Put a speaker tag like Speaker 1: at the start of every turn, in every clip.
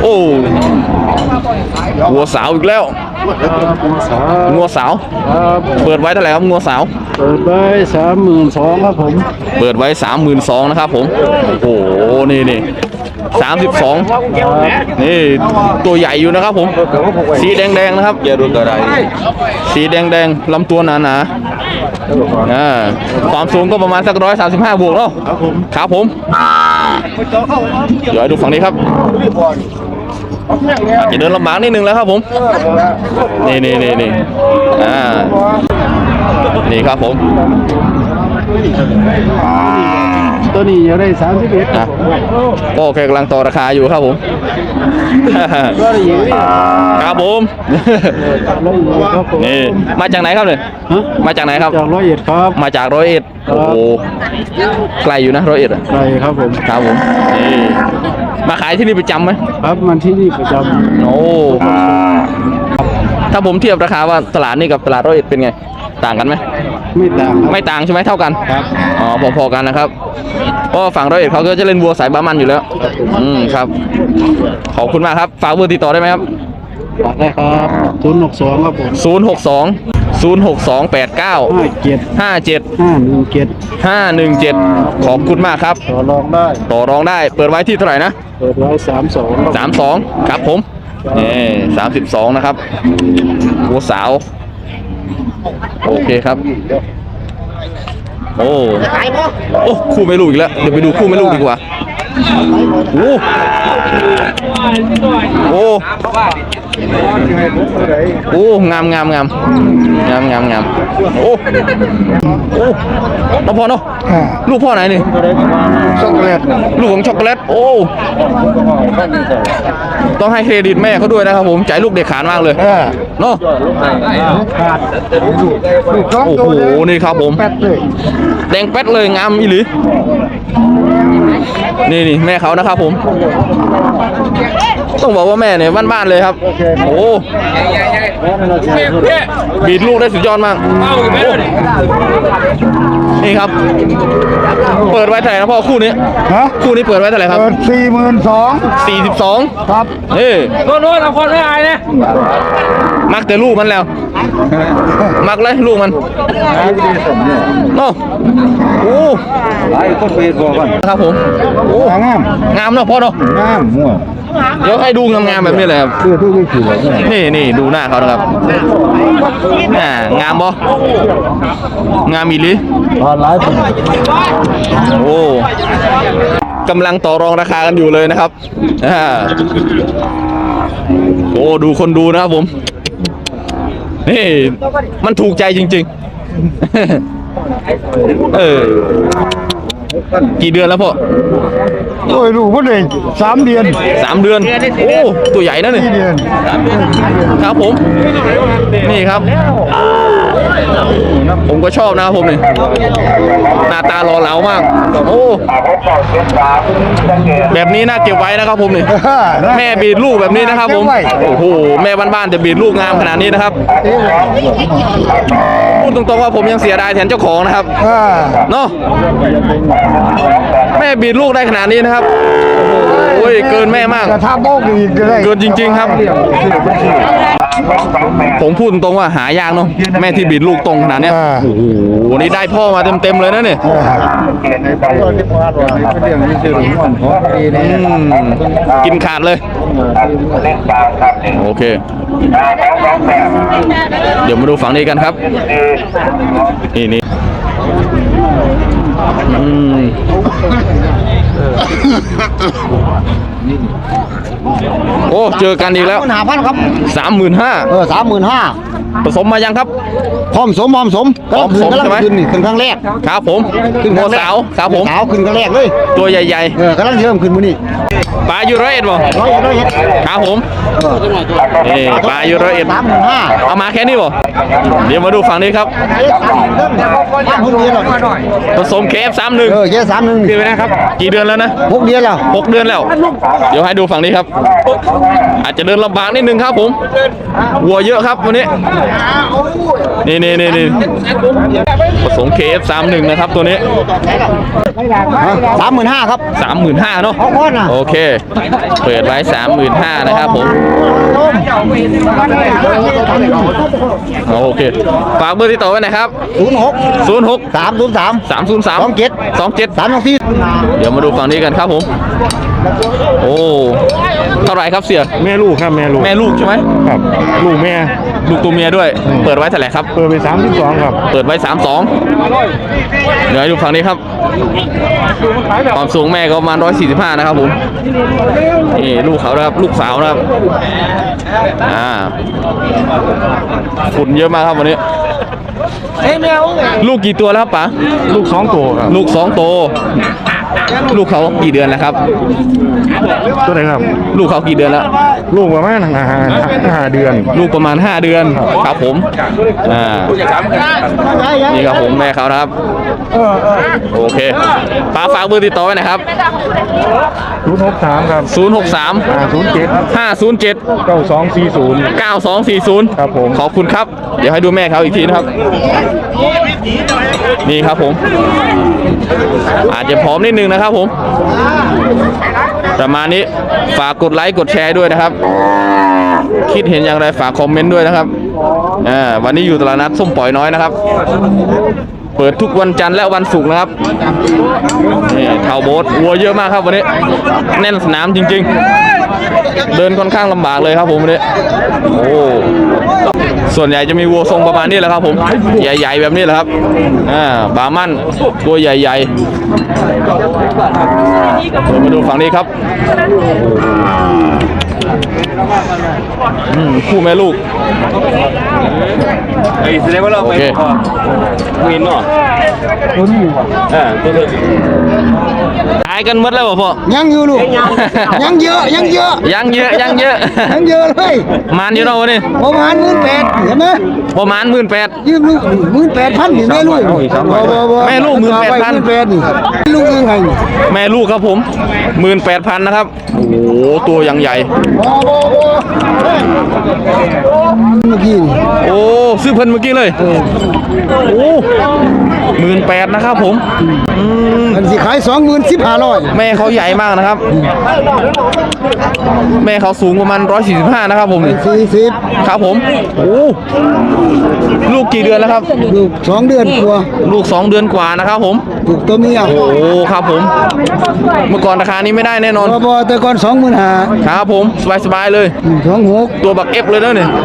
Speaker 1: อ้งัวสาวอีกแล้วงัวสาวเปิดไว้เท่าไหร่ครับงัวสาว
Speaker 2: เปิดไว้32,000ครับผม
Speaker 1: เปิดไว้32,000นะครับผมโอ้โหนี่32นี่ตัวใหญ่อยู่นะครับผมสีแดงๆนะครับสีแดงๆลำตัวหนาความสูงก็ประมาณสัก135บวกเนาะครับผมเดี๋ยวดูฝั่งนี้ครับจะเดินลำบากนิดนึงแล้วครับผมนี่นี่ครับผม
Speaker 2: ตัวนี้อยู่ได้31
Speaker 1: ก็แค่กำลังต่อราคาอยู่ครับผมครับผมนี่มาจากไหนครับเนี่ยมาจากไหนครับ
Speaker 2: จาก101ครับ
Speaker 1: มาจาก101โอ้โหไกลอยู่นะ101
Speaker 2: ไกลครับผม
Speaker 1: ครับผมนี่มาขายที่นี่ประจำไหม
Speaker 2: ครับมันที่นี่ประจำ
Speaker 1: โอ้ถ้าผมเทียบราคาว่าตลาดนี่กับตลาด101เป็นไงต่างกันไหมไม่ต่างใช่ไหมเท่ากัน
Speaker 2: ครับ
Speaker 1: อ๋อพอๆกันนะครับเพราะฝั่ง101เขาก็จะเล่นวัวสายบามันอยู่แล้วครับขอบคุณมากครับฝากเบอร์ติดต่อได้ไหมครับ
Speaker 2: ฝากได้ครับ062ครับผม
Speaker 1: 062 063 89 57 ขอบคุณมากครับต่อรองได้เปิดไว้ที่เท่าไหร่นะ
Speaker 2: เปิดไว้
Speaker 1: 32ครับผมนี่32นะครับวัวสาวโอเคครับโอ้คู่ไม่ลูกอีกแล้วเดี๋ยวไปดูคู่ไม่ลูกดีกว่าโอ้งามโอ้น้องพ่อเนาะลูกพ่อไหนนี่
Speaker 2: ช็อกโกแลต
Speaker 1: ลูกของช็อกโกแลตโอ้ต้องให้เครดิตแม่เขาด้วยนะครับผมใจลูกเด็กขาดมากเลยเนาะโอ้โหนี่ครับผมแดงแป๊ดเลยงามอีหลีนี่แม่เขานะครับผมต้องบอกว่าแม่เนี่ยบ้านๆเลยครับโอ้บีดลูกได้สุดยอดมากนี่ครับเปิดไว้เท่าไหร่นะพ่อคู่นี้คู่นี้เปิดไว้เท่าไหร่ครับ
Speaker 2: 42,000ครับ
Speaker 1: โน่นเอาคนไม่อายนะมักแต่ลูกมันแล้วมักเลยลูกมันโน่โอ้
Speaker 2: หลายคนไปบอกกัน
Speaker 1: ครับผมโอ้งามเนาะพ่อเนาะ
Speaker 2: งามมั่ว
Speaker 1: เดี๋ยวให้ดูงามๆแบบนี้เลยครับนี่ดูหน้าเขานะครับงามบ่งามอีหลีโอ้กำลังต่อรองราคากันอยู่เลยนะครับโอ้ดูคนดูนะครับผมนี่มันถูกใจจริงๆกี่เดือนแล้วพ่อ
Speaker 2: โอ้ยลูกพ่อเลย3 เดือน
Speaker 1: โอ้ตัวใหญ่นะนี่ครับผมนี่ครับผมก็ชอบนะครับผมนี่หน้าตาหล่อเหลามากโอ้แบบนี้น่าเก็บไว้นะครับผมนี่แม่บีดลูกแบบนี้นะครับผมโอ้โหแม่บ้านๆจะบีดลูกงามขนาดนี้นะครับพูดตรงๆว่าผมยังเสียดายแทนเจ้าของนะครับเนาะแม่บีดลูกได้ขนาดนี้นะครับโอ้ยเกินแม่มากเกินจริงๆครับผมพูดตรงๆว่าหายากเนาะแม่ที่บีดลูกตรงขนาดนี้โอ้โหนี่ได้พ่อมาเต็มๆเลยนะเนี่ยกินขาดเลยโอเคเดี๋ยวมาดูฝั่งนี้กันครับนี่โอ้เจอกันอีกแล้ว
Speaker 2: 35,000ครับ
Speaker 1: 35,000
Speaker 2: 35,000
Speaker 1: ผสมมายังครับ
Speaker 2: พร้อมสมใช่ไหมขึ้นครั้งแรก
Speaker 1: ครับผมงัวสาวครับผม
Speaker 2: สาวขึ้นครั้งแรกเลย
Speaker 1: ตัวใหญ่
Speaker 2: ๆกำลังเริ่มขึ้นมื้อนี้
Speaker 1: ปลาอยู่101บ่ครับผมนี่ปลาอยู่101เอามาแค่นี้บ่เดี๋ยวมาดูฝั่งนี้ครับผสมเคฟ31
Speaker 2: เคฟ31
Speaker 1: คือไปนะครับกี่เดือนแล้วนะ
Speaker 2: 6 เดือนแล้ว
Speaker 1: เดี๋ยวให้ดูฝั่งนี้ครับอาจจะเดินลำบากนิดนึงครับผมวัวเยอะครับวันนี้นี่ผสม KF31 นะครับตัวนี้
Speaker 2: 35,000ครับ
Speaker 1: 35,000เนาะ
Speaker 2: เอาคนน่ะ
Speaker 1: โอเค เปิดไว้ 35,000นะครับผมโอเคฝากเบอร์ติดต่อไว้หน่อยครับ
Speaker 2: 06
Speaker 1: 06
Speaker 2: 303
Speaker 1: 303
Speaker 2: 27
Speaker 1: 27
Speaker 2: 324
Speaker 1: เดี๋ยวมาดูฝั่งนี้กันครับผมโอ้เท่าไหร่ครับเสีย
Speaker 3: แม่ลูกครับแม่ลูก
Speaker 1: แม่ลูกใช่ไหม
Speaker 3: ครับลูกแม่
Speaker 1: ลูกตัวเมียด้วย เปิดไว้เท่าไหร่ครับ
Speaker 3: เปิดไป32ครับ
Speaker 1: เปิดไว้ 32เดี๋ยวให้ดูฝั่งนี้ครับความสูงแม่ก็ประมาณ145นะครับผมนี่ลูกเขานะครับลูกสาวนะครับฝุ่นเยอะมากครับวันนี้ลูกกี่ตัวแล้วครับป๋า
Speaker 3: ลูก2ตัวครับ
Speaker 1: ลูก2ตัวลูกเขากี่เดือนแล้วครับ
Speaker 3: ตัวไหนครับ
Speaker 1: ลูกเขากี่เดือนแล้ว
Speaker 3: ลูกประมาณ5เดือน
Speaker 1: ลูกประมาณ5เดือนครับผมนี่ครับผมแม่เขานะครับโอเคป๋าฝากเบอร์ติดต่อไว้นะครับ
Speaker 3: 063ครับ
Speaker 1: 063
Speaker 3: 507
Speaker 1: 507
Speaker 3: 9240
Speaker 1: 9240
Speaker 3: ครับผม
Speaker 1: ขอบคุณครับ เดี๋ยวให้ดูแม่เขาอีกทีนะครับ นี่ครับผม อาจจะผอมนิดนึงนะครับผมประมาณนี้ฝากกดไลค์กดแชร์ด้วยนะครับ คิดเห็นอย่างไรฝากคอมเมนต์ด้วยนะครับวันนี้อยู่ตลาดนัดส้มปล่อยน้อยนะครับ เปิดทุกวันจันทร์และวันศุกร์นะครับนี่เท่าโบ๊ทวัวเยอะมากครับวันนี้แน่นสนามจริงๆ เดินค่อนข้างลำบากเลยครับผมวันนี้โอ้ส่วนใหญ่จะมีวัวทรงประมาณนี้แหละครับผมใหญ่ๆแบบนี้แหละครับบามั่นตัวใหญ่ๆมาดูฝั่งนี้ครับคู่แม่ลูกแสดงว่าเราไปวินเนาะขายกันหมดแล้วพ่อ
Speaker 2: ยังอยู่ลูก ยังเยอะยังเยอะ
Speaker 1: ยังเยอะยังเยอะ
Speaker 2: ยังเยอะเลย
Speaker 1: มันอยู่เนาะวันนี้
Speaker 2: ประมาณ18,000เห็นไหม
Speaker 1: ประมาณ18,000
Speaker 2: ยืมลูก18,000นี่แม่ลูก
Speaker 1: แม่ลูก18,000
Speaker 2: 18,000นี่ลูกยังไงนี่
Speaker 1: แม่ลูกครับผม 18,000นะครับโอ้โหตัวยังใหญ่
Speaker 2: เมื่อกี้นี่
Speaker 1: โอ้ซื้อเพิ่นเมื่อกี้เลยโอ้18,000นะครับผม
Speaker 2: มันสิขาย20,500
Speaker 1: แม่เขาใหญ่มากนะครับ แม่เขาสูงประมาณ145นะครับผมนี่
Speaker 2: 40
Speaker 1: ครับผมโอ้ลูกกี่เดือนแล้วครับ
Speaker 2: ลูก2 เดือนกว่า
Speaker 1: ลูก2 เดือนกว่านะครับผม
Speaker 2: ลูกตัวเมีย
Speaker 1: โอ้ครับผม เมื่อก่อนราคานี้ไม่ได้แน่นอน
Speaker 2: บ่แต่ก่อน25,000
Speaker 1: ครับผมสบายๆเลย
Speaker 2: 26
Speaker 1: ตัวบักเอฟเลยนะเนี่ย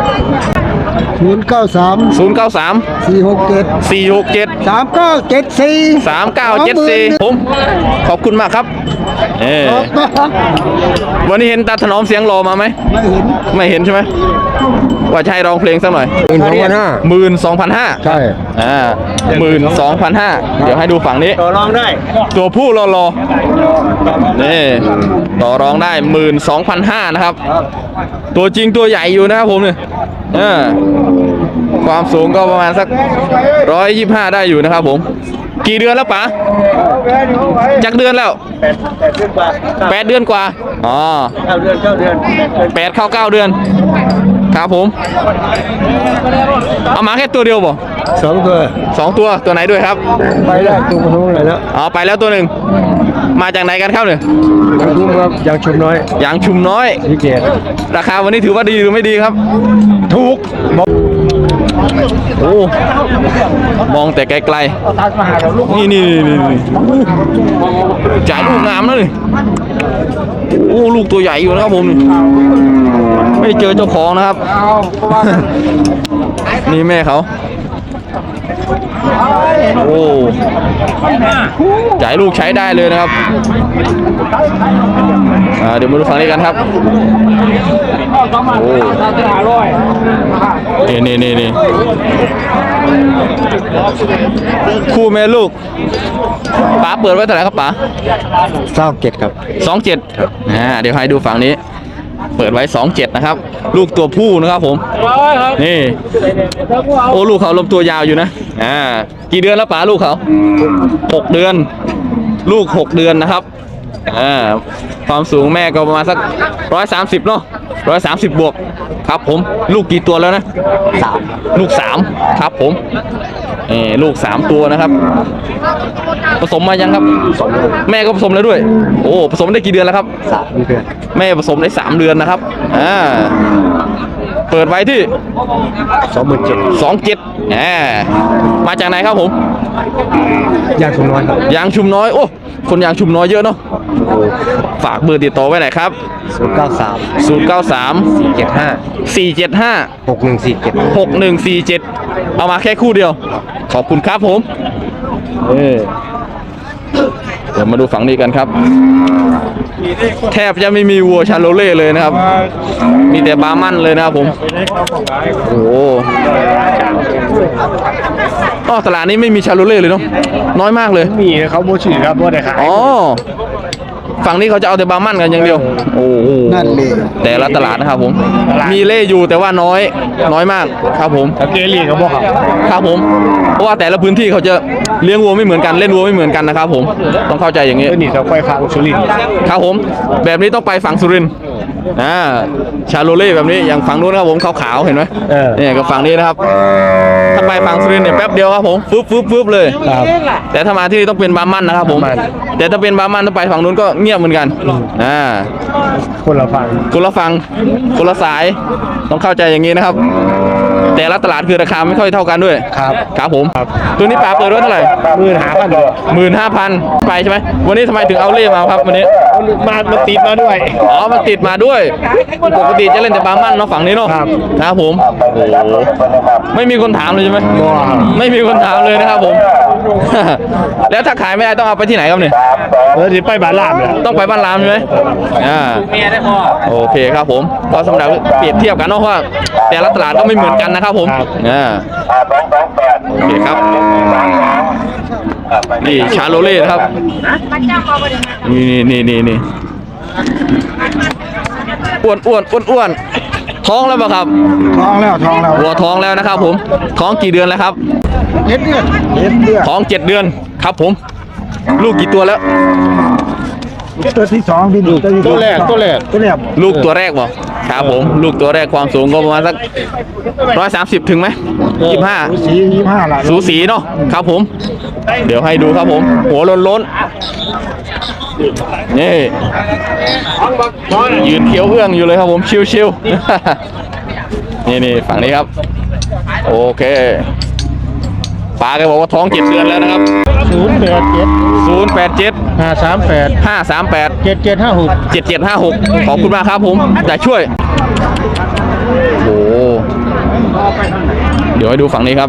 Speaker 2: 093
Speaker 1: 093
Speaker 2: 467
Speaker 1: 467
Speaker 2: 3974
Speaker 1: 3974ผมขอบคุณมากครับวันนี้เห็นตาถนอมเสียงรอมาไหม
Speaker 2: ไม่เห็น
Speaker 1: ไม่เห็นใช่ไหมว่าจะให้ร้องเพลงสักหน่อย 12,500
Speaker 2: ใช่
Speaker 1: 12,500เดี๋ยวให้ดูฝั่งนี้ต่อรองได้ ตัวผู้รอนี่ต่อรองได้ 12,500นะครับ ตัวจริงตัวใหญ่อยู่นะครับผมเนี่ยความสูงก็ประมาณสัก125ได้อยู่นะครับผมกี่เดือนแล้วป๋าจักเดือนแล้ว8 เดือนกว่าอ๋อ8 เข้า 9 เดือนครับผมเอามาแค่ตัวเดียวบ่
Speaker 2: 2 ตัว
Speaker 1: 2 ตัวไหนด้วยครับ
Speaker 2: ไปแล้วตัวนู้นเลยแล้ว
Speaker 1: เอาไปแล้วตัวหนึ่งมาจากไหนกันครับเนี่ย
Speaker 2: ทุ่มครับยังชุมน้อย
Speaker 1: ยางชุมน้อย
Speaker 2: พี่เกด
Speaker 1: ราคาวันนี้ถือว่าดีหรือไม่ดีครับ
Speaker 2: ถูก
Speaker 1: โอ้มองแต่ไกลๆนี่จ่ายลูกงามนะนี่โอ้ลูกตัวใหญ่อยู่นะครับผมไม่เจอเจ้าของนะครับ นี่แม่เขาโอ้จ่ายลูกใช้ได้เลยนะครับเดี๋ยวมาดูฝั่งนี้กันครับโอ้นี่คู่แม่ลูกป๋าเปิดไว้เท่าไหร่ครับป๋า
Speaker 2: 27ครับ
Speaker 1: 27ครับเดี๋ยวให้ดูฝั่งนี้ เปิดไว้27นะครับ ลูกตัวผู้นะครับผมนี่โอ้ลูกเขาลมตัวยาวอยู่นะกี่เดือนแล้วป๋าลูกเขา6 เดือน ลูก6 เดือนนะครับความสูงแม่ก็ประมาณสัก130เนาะ130 บวกครับผมลูกกี่ตัวแล้วนะ3ลูก3ครับผมลูก3ตัวนะครับผสมมายังครับแม่ก็ผสมแล้วด้วยโอ้ผสมได้กี่เดือนแล้วครับ3 เดือนแม่ผสมได้3 เดือนนะครับเปิดไว้ที่27,000มาจากไหนครับผม
Speaker 3: ยางชุมน้อยครับ
Speaker 1: ยางชุมน้อยโอ้คนยางชุมน้อยเยอะเนาะฝากเบอร์ติดต่อไว้หน่อยครับ093 475 6147เอามาแค่คู่เดียวขอบคุณครับผมเดี๋ยวมาดูฝั่งนี้กันครับแทบจะไม่มีวัวชาโลเล่เลยนะครับมีแต่บาร์มันเลยนะครับผมโอ้โหตลาดนี้ไม่มีชาโลเล่เลยเนาะน้อยมากเลย
Speaker 3: มีเขาโมชื่อครับว่าได้ขาย
Speaker 1: ฝั่งนี้เขาจะเอาแต่บาร์มันกันอย่างเดียวโอ้โห
Speaker 2: นั่นเลย
Speaker 1: แต่ละตลาดนะครับผมมีเล่อยู่แต่ว่าน้อยมากครับผม
Speaker 3: เกลี่เขาบอก
Speaker 1: ครับผมเพราะว่าแต่ละพื้นที่เขาจะเลี้ยงวัวไม่เหมือนกันเล่นวัวไม่เหมือนกันนะครับผมต้องเข้าใจอย่างนี้
Speaker 3: นี่เขาไปฝั่งสุรินทร์
Speaker 1: ครับผมแบบนี้ต้องไปฝั่งสุรินทร์ชาโลเล่แบบนี้อย่างฝั่งนู้นครับผมขาวๆเห็นไหมเนี่ยกับฝั่งนี้นะครับถ้าไปฝั่งสุรินทร์เนี่ยแป๊บเดียวครับผมฟึบเลยแต่ถ้ามาที่นี่ต้องเป็นบาร์มันนะครับผมแต่ถ้าเป็นบาร์มันถ้าไปฝั่งนู้นก็เงียบเหมือนกัน
Speaker 3: คนละฝั่ง
Speaker 1: คนละสายต้องเข้าใจอย่างนี้นะครับแต่ละตลาดคือราคาไม่ค่อยเท่ากันด้วยครับผมตัวนี้ปลาเปิดไว้เท่าไหร่15,000ไปใช่ไหมวันนี้ทำไมถึงเอาเล่มาครับวันนี้
Speaker 3: มันติดมาด้วย
Speaker 1: มันติดมาด้วยปกติจะเล่นแต่บาร์มันเนาะฝั่งนี้เนาะครับผมโอ้ไม่มีคนถามเลยใช่ไหมไม่มีคนถามเลยนะครับผมแล้วถ้าขายไม่ได้ต้องเอาไปที่ไหนครับเนี่ย
Speaker 3: ไปบ้านราม
Speaker 1: ต้องไปบ้านรามใช่ไหมโอเคครับผมก็สำหรับเปรียบเทียบกันเนาะว่าแต่ละตลาดก็ไม่เหมือนกันนะครับผมโอเคครับนี่ชาโลเล่ครับนี่อ้วนท้องแล้วป่ะครับ
Speaker 2: ท้องแล้ว
Speaker 1: วัวท้องแล้วนะครับผมท้องกี่เดือนแล้วครับ
Speaker 2: 7 เดือน
Speaker 1: ท้อง7 เดือนครับผมลูกกี่ตัวแล้ว
Speaker 2: ตัวที่2บิน
Speaker 3: ตัวแรก
Speaker 1: ลูกตัวแรกบ่ครับผมลูกตัวแรกความสูงก็ประมาณสัก130ถึงไหม25
Speaker 2: ละ
Speaker 1: สูสีเนาะครับผมเดี๋ยวให้ดูครับผมหัวล้นนี่ยืนเคี้ยวเอื้องอยู่เลยครับผมชิวๆนี่ฝั่งนี้ครับโอเคป้าแกบอกว่าท้อง7 เดือนแล้วนะครับ087 538 7756ขอบคุณมากครับผมจะช่วยโอ้เดี๋ยวให้ดูฝั่งนี้ครับ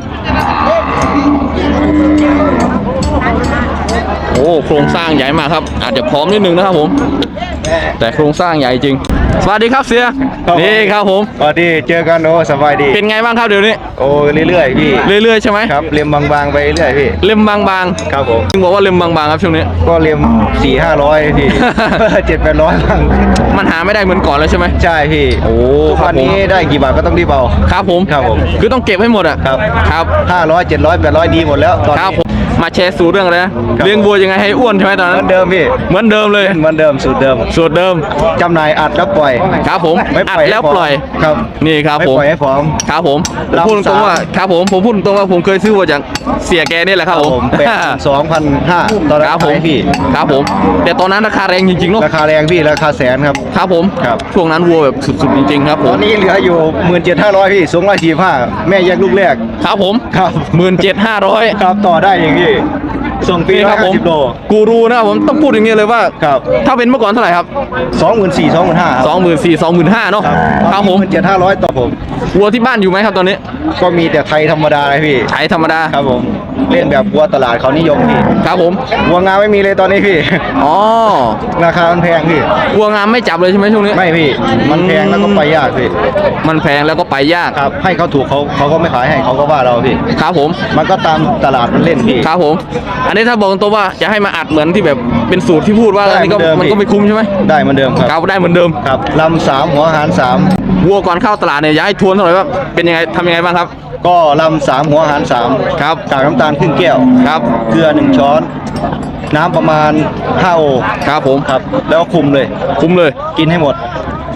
Speaker 1: โอ้โครงสร้างใหญ่มากครับอาจจะพร้อมนิดนึงนะครับผมแต่โครงสร้างใหญ่จริงสวัสดีครับเสียนี่ครับผม
Speaker 3: สวัสดีเจอกันโอ้สบายดี
Speaker 1: เป็นไงบ้างครับเดี๋ยวนี้
Speaker 3: โอ้เรื่อยๆพี่
Speaker 1: เรื่อยๆใช่ไหม
Speaker 3: ครับเล็มบางๆไปเรื่อยพี่
Speaker 1: เล็มบาง
Speaker 3: ๆครับผม
Speaker 1: จึงบอกว่าเล็มบางๆครับช่วงนี้
Speaker 3: ก็เล็ม400-500พี่700-800บ้าง
Speaker 1: มันหาไม่ได้เหมือนก่อนแล้วใช่ไหม
Speaker 3: ใช่พี่
Speaker 1: โอ้
Speaker 3: วันนี้ได้กี่บาทก็ต้องรีบเอา
Speaker 1: ครับผมคือต้องเก็บให้หมดอ่ะครับ
Speaker 3: 500 700 800ดีหมดแล้วตอนนี้
Speaker 1: มาแชร์สูตรเรื่องอะไรนะเลี้ยงวัวยังไงให้อ้วนใช่ไหมตอนนั้น
Speaker 3: เหมือนเดิมพี่
Speaker 1: เหมือนเดิมเลย
Speaker 3: เหมือนเดิมสูตรเดิมจำหน่ายอัดแล้วปล่อย
Speaker 1: ครับผมอัดแล้วปล่อย
Speaker 3: ครับ
Speaker 1: นี่ครับผม
Speaker 3: ไม่ปล่อยให้พร้อม
Speaker 1: ครับผมพูดตรงว่าครับผมพูดตรงว่าผมเคยซื้อวัวจากเสียแกนี่แหละครับผม
Speaker 3: 2,500ตอนนั้นขายพี่
Speaker 1: ครับผมแต่ตอนนั้นราคาแรงจริงๆเนาะ
Speaker 3: ราคาแรงพี่ราคาแสนครับ
Speaker 1: ครับผมช่วงนั้นวัวแบบสุดๆจริงๆครับผม
Speaker 3: ตอนนี้เหลืออยู่17,500พี่245แม่แยกลูกแรก
Speaker 1: ครับผม
Speaker 3: ครับ
Speaker 1: 17,500
Speaker 3: ครับต่อได้อย่างนี้ส่งปีละ50 โล
Speaker 1: กูรูนะครับผมต้องพูดอย่างนี้เลยว่าถ้าเป็นเมื่อก่อนเท่าไหร่ครับ
Speaker 3: 24,000-25,000
Speaker 1: เนาะครับผม
Speaker 3: 17,500ต่อผม
Speaker 1: วัวที่บ้านอยู่ไหมครับตอนนี้
Speaker 3: ก็มีแต่ไทยธรรมดาเลยพี่
Speaker 1: ไทยธรรมดา
Speaker 3: ครับผมเล่นแบบวัวตลาดเขานิยมพี่
Speaker 1: ครับผม
Speaker 3: วัวงามไม่มีเลยตอนนี้พี่ราคามันแพงพี่
Speaker 1: วัวงามไม่จับเลยใช่ไหมช่วงนี้
Speaker 3: ไม่พี่มันแพงแล้วก็ไปยากพี่
Speaker 1: มันแพงแล้วก็ไปยาก
Speaker 3: ครับให้เขาถูกเขาก็ไม่ขายให้เขาก็ว่าเราพี่
Speaker 1: ครับผม
Speaker 3: มันก็ตามตลาดมันเล่นพี่
Speaker 1: ครับผมอันนี้ถ้าบอกตรงว่าจะให้มาอัดเหมือนที่แบบเป็นสูตรที่พูดว่าอันนี้ก็มันก็ไม่คุ้มใช่ไหม
Speaker 3: ได้เหมือนเดิมครับ
Speaker 1: ได้เหมือนเดิม
Speaker 3: ครับลำ3หัวหาร3
Speaker 1: วัวก่อนเข้าตลาดเนี่ยอยากให้ทวนหน่อยว่าเป็นยังไงทำยังไงบ้างครับ
Speaker 3: ก็ลำ3หัวหาร3
Speaker 1: ครับ
Speaker 3: กากน้ำตาลครึ่งแก้ว
Speaker 1: ครับ
Speaker 3: เกลือ1 ช้อนน้ำประมาณ5 โอ
Speaker 1: ครับผม
Speaker 3: ครับแล้วคุมเลย
Speaker 1: กินให้หมด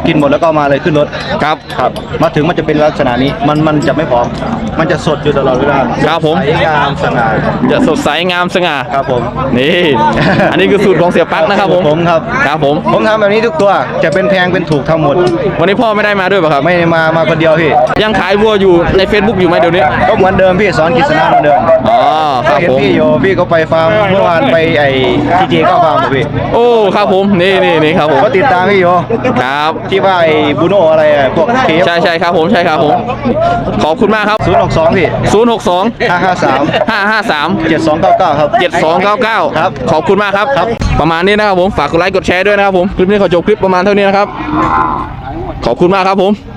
Speaker 3: กินหมดแล้วก็มาเลยขึ้นรถ
Speaker 1: ครับ
Speaker 3: ครับมาถึงมันจะเป็นลักษณะนี้มันจะไม่พร้อมมันจะสดอยู่ตลอดเวลา
Speaker 1: ครับผม
Speaker 3: ใสงามสง่า
Speaker 1: จะสดใสงามสง่า
Speaker 3: ครับผม
Speaker 1: นี่ อันนี้คือสูตรของเสียปั๊กนะครับผม
Speaker 3: ผมครับ
Speaker 1: ครับผม
Speaker 3: ผมทำแบบนี้ทุกตัวจะเป็นแพงเป็นถูกทั้งหมด
Speaker 1: วันนี้พ่อไม่ได้มาด้วยป่ะครับ
Speaker 3: ไม่ได้มาคนเดียวพี่
Speaker 1: ยังขายวัวอยู่ใน Facebook อยู่ไหมเดี๋ยวนี้
Speaker 3: ก็เหมือนเดิมพี่สอนกิษณะเหมือนเดิม
Speaker 1: อ๋อครับ
Speaker 3: เห็น
Speaker 1: ผม
Speaker 3: พี่โยพี่ก็ไปฟาร์มเมื่อวานไปไอ้ทีเจก็ฟาร์มพี่
Speaker 1: โอ้ครับผมนี่ครับผม
Speaker 3: ก็ติดตามพี่โย
Speaker 1: ครับ
Speaker 3: ที่ว่าไอ้บูโนอะไรอะพวกเคฟ
Speaker 1: ใช่ครับผมขอบคุณมากครับ
Speaker 3: 062พี่
Speaker 1: 062
Speaker 3: 553
Speaker 1: 553
Speaker 3: 7299ครับ
Speaker 1: 7299
Speaker 3: ครับ
Speaker 1: ขอบคุณมากครับ
Speaker 3: ครับ
Speaker 1: ประมาณนี้นะครับผมฝากกดไลค์กดแชร์ด้วยนะครับผมคลิปนี้ขอจบคลิปประมาณเท่านี้นะครับขอบคุณมากครับผม